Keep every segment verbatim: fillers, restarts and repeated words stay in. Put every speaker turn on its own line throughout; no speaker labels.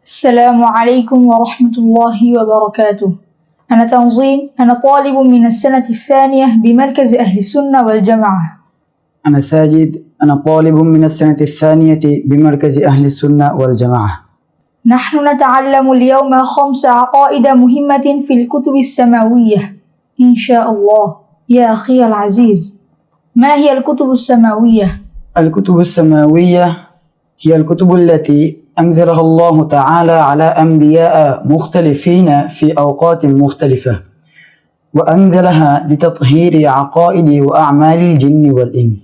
السلام عليكم ورحمة الله وبركاته. أنا تنظيم، أنا طالب من السنة الثانية بمركز أهل السنة والجماعة.
أنا ساجد، أنا طالب من السنة الثانية بمركز أهل السنة والجماعة.
نحن نتعلم اليوم خمس عقائد مهمة في الكتب السماوية إن شاء الله. يا أخي العزيز، ما هي الكتب السماوية؟
الكتب السماوية هي الكتب التي أنزلها الله تعالى على أنبياء مختلفين في أوقات مختلفة، وأنزلها لتطهير عقائد وأعمال الجن والإنس.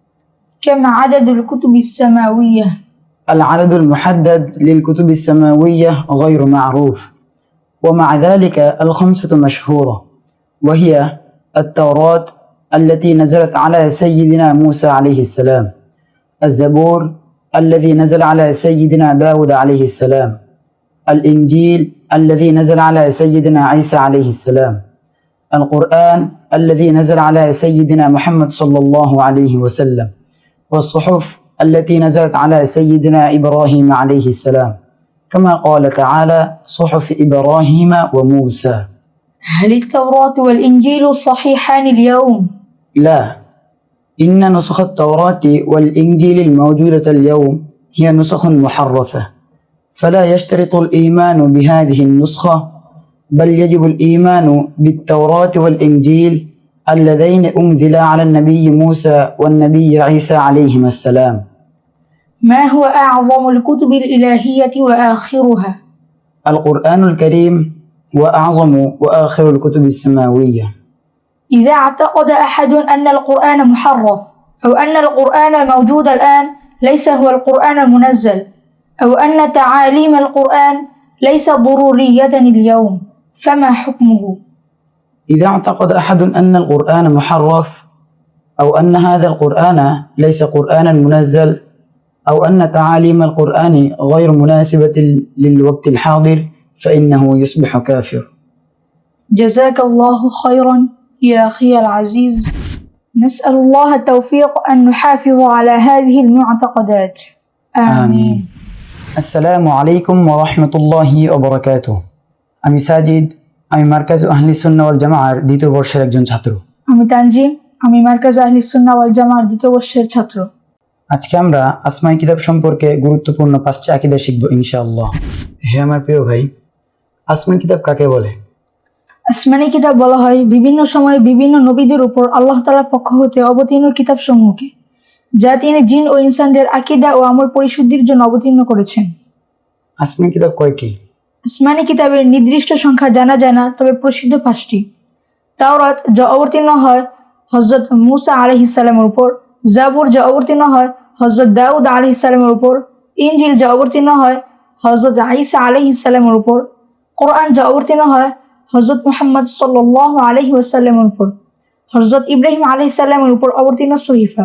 كم عدد الكتب السماوية؟
العدد المحدد للكتب السماوية غير معروف، ومع ذلك الخمسة مشهورة، وهي التوراة التي نزلت على سيدنا موسى عليه السلام، الزبور الذي نزل على سيدنا داود عليه السلام، الإنجيل الذي نزل على سيدنا عيسى عليه السلام، القرآن الذي نزل على سيدنا محمد صلى الله عليه وسلم، والصحف التي نزلت على سيدنا إبراهيم عليه السلام، كما قال تعالى: صحف إبراهيم وموسى.
هل التوراة والإنجيل صحيحان اليوم؟
لا، إن نسخ التوراة والإنجيل الموجودة اليوم هي نسخ محرفة، فلا يشترط الإيمان بهذه النسخة، بل يجب الإيمان بالتوراة والإنجيل اللذين أنزلا على النبي موسى والنبي عيسى عليهما السلام.
ما هو أعظم الكتب الإلهية وآخرها؟
القرآن الكريم هو أعظم وآخر الكتب السماوية.
إذا اعتقد أحد أن القرآن محرف، أو أن القرآن الموجود الآن ليس هو القرآن المنزل، أو أن تعاليم القرآن ليست ضرورية اليوم، فما حكمه؟
إذا اعتقد أحد أن القرآن محرف، أو أن هذا القرآن ليس قرآنا منزل، أو أن تعاليم القرآن غير مناسبة للوقت الحاضر، فإنه يصبح كافر.
جزاك الله خيرا يا أخي العزيز. نسأل الله التوفيق أن نحافظ على هذه المعتقدات. آمين, آمين.
আসসালামু আলাইকুম ওয়া রাহমাতুল্লাহি ওয়া বারাকাতুহু। আমি সাজিদ, আমি মার্কাজ আহলি সুন্নাহ ওয়াল জামাআর দ্বিতীয় বর্ষের একজন ছাত্র।
আমি তানজিম, আমি মার্কাজ আহলি সুন্নাহ ওয়াল জামাআর দ্বিতীয় বর্ষের ছাত্র।
আজকে আমরা আসমাই কিতাব সম্পর্কে গুরুত্বপূর্ণ পাঁচটি আকীদা শিখব ইনশাআল্লাহ। হে আমার প্রিয় ভাই, আসমাই কিতাব কাকে বলে?
আসমানি কিতাব বলা হয় বিভিন্ন সময়ে বিভিন্ন নবীদের উপর আল্লাহ তাআলার পক্ষ হতে অবতীর্ণ কিতাবসমূহকে, যা তিনি জিন ও ইনসানদের আকীদা ও আমল পরিশুদ্ধির জন্য অবতীর্ণ করেছেন।
আসমানি কিতাব কয়টি?
আসমানি কিতাবের নির্দিষ্ট সংখ্যা জানা যায় না, তবে প্রসিদ্ধ পাঁচটি। তাওরাত, যা অবতীর্ণ হয় হযরত মূসা আলাইহিস সালামের উপর; জাবুর, যা অবতীর্ণ হয় হযরত দাউদ আলাইহিস সালামের উপর; ইনজিল, যা অবতীর্ণ হয় হযরত ঈসা আলাইহিস সালামের উপর; কোরআন, যা অবতীর্ণ হয় হযরত মুহাম্মদ সাল্লাল্লাহু আলাইহি ওয়াসাল্লামের উপর; হযরত ইব্রাহিম আলাইহিস সালামের উপর অবতীর্ণ সহিফা।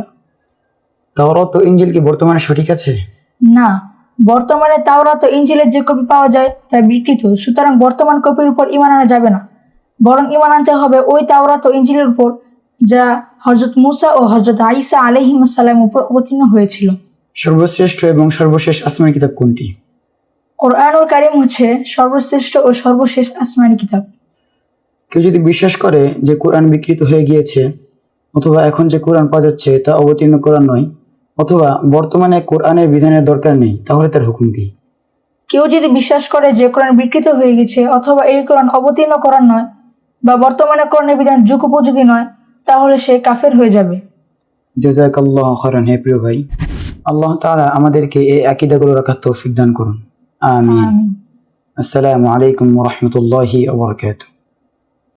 তাওরাত ও ইনজিল কি বর্তমানে সঠিক আছে?
না, বর্তমানে তাওরাত ও ইনজিলের যে কপি পাওয়া যায় তা বিকৃত, সুতরাং বর্তমান কপির উপর ঈমান আনা যাবে না, বরং ঈমান আনতে হবে ওই তাওরাত ও ইনজিলের উপর যা হযরত মূসা ও হযরত ঈসা আলাইহিস সালামের উপর অবতীর্ণ হয়েছিল।
সর্বশ্রেষ্ঠ এবং সর্বশেষ আসমানি কিতাব কোনটি?
কোরআনুল কারীম হচ্ছে সর্বশ্রেষ্ঠ ও সর্বশেষ আসমানি কিতাব।
কেউ যদি বিশ্বাস করে যে কোরআন বিকৃত হয়ে গিয়েছে, অথবা এখন যে কোরআন পাওয়া যাচ্ছে তা অবতীর্ণ কোরআন নয়, অথবা বর্তমানে কোরআনের বিধানের দরকার নেই, তাহলে তার হুকুম কি?
কেউ যদি বিশ্বাস করে যে কোরআন বিকৃত হয়ে গেছে, অথবা এই কোরআন অবতীর্ণ কোরআন নয়, বা বর্তমানে কোরআনের বিধান যুগোপযোগী নয়, তাহলে সে কাফের হয়ে যাবে।
জাযাকাল্লাহু খাইরান। হে প্রিয় ভাই, আল্লাহ তাআলা আমাদেরকে এই আকীদাগুলো রাখার তৌফিক দান করুন। আমিন। আসসালামু আলাইকুম ওয়া রাহমাতুল্লাহি ওয়া বারাকাতুহু।